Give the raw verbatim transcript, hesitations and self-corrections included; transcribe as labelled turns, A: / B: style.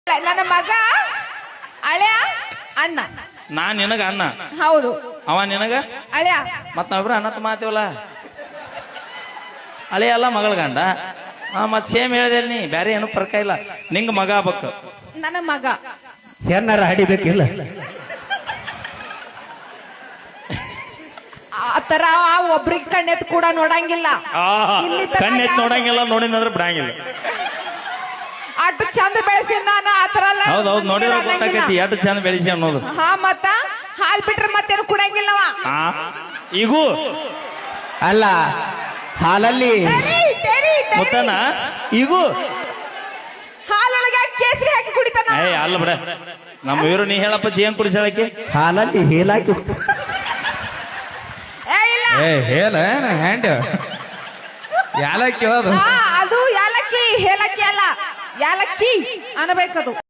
A: ನನ್ನ ಮಗ ಅಳ್ಯ ಅಣ್ಣ.
B: ನಾ ನಿನಗ ಅಣ್ಣ,
A: ಹೌದು.
B: ಅವ ನಿನಗ
A: ಅಳ್ಯ.
B: ಮತ್ ನಾವಿಬ್ರು ಅಣ್ಣತ್ ಮಾತೀವಲ್ಲ. ಅಳೆ ಅಲ್ಲ ಮಗಳ ಗಂಡ. ಹಾ ಮತ್ ಸೇಮ್ ಹೇಳಿದೆ ನೀ, ಬ್ಯಾರೆ ಏನು ಫರ್ಕ ಇಲ್ಲ. ನಿಂಗ ಮಗ ಆಗ್ಬೇಕು.
A: ನನ್ನ ಮಗ
C: ಏನಾರ ಹಡಿಬೇಕಿಲ್ಲ.
A: ಆತರ ಒಬ್ರಿಗೆ ಕಣ್ಣೆತ್ ಕೂಡ ನೋಡಂಗಿಲ್ಲ. ಇಲ್ಲಿ ತನಕ
B: ಕಣ್ಣೆತ್ ನೋಡಂಗಿಲ್ಲ, ನೋಡಿದ್ರೆ ಬಿಡಂಗಿಲ್ಲ.
A: ಅಷ್ಟು ಚಂದ ಬೆಳೆಸಿ ನಾನು ಆತರ ಎಲ್ಲ
B: ಹೌದೌದು, ನೋಡಿದ್ರೆ ಗೊತ್ತಾಕೈತಿ ಎಷ್ಟು ಚಂದ ಬೆಳೆಸಿ ಅನ್ನೋದು.
A: ಹಾ ಮತ್ತ ಹಾಲ್ ಬಿಟ್ರೆ ಮತ್ತೇನು ಕುಡಂಗಿಲ್ಲವ.
B: ಆ ಈಗೂ
C: ಅಲ್ಲ ಹಾಲಲ್ಲಿ
B: ಮುತ್ತನ ಈಗೂ
A: ಹಾಲೊಳಗೆ ಕೇಸರಿ ಹಾಕಿ ಕುಡಿತಾನ.
B: ಏ ಅಲ್ಲ ಬಿಡ, ನಮ್ಮ ಇವರು ನೀ ಹೇಳಪ್ಪ ಜೇನ್ ಕುಡಿಸಾಳಕ್ಕೆ.
C: ಹಾಲಲ್ಲಿ ಹೇಲಾಕಿ
A: ಏ ಇಲ್ಲ,
C: ಏ ಹೇಳ ಹ್ಯಾಂಡ್ ಯಾಲಕ್ಕಿ ಅದು
A: ಹಾ, ಅದು ಯಾಲಕ್ಕಿ ಹೇಲಕ್ಕಿ ಅಲ್ಲ, ಯಾಲಕ್ಕಿ ಅನ್ಬೇಕದು.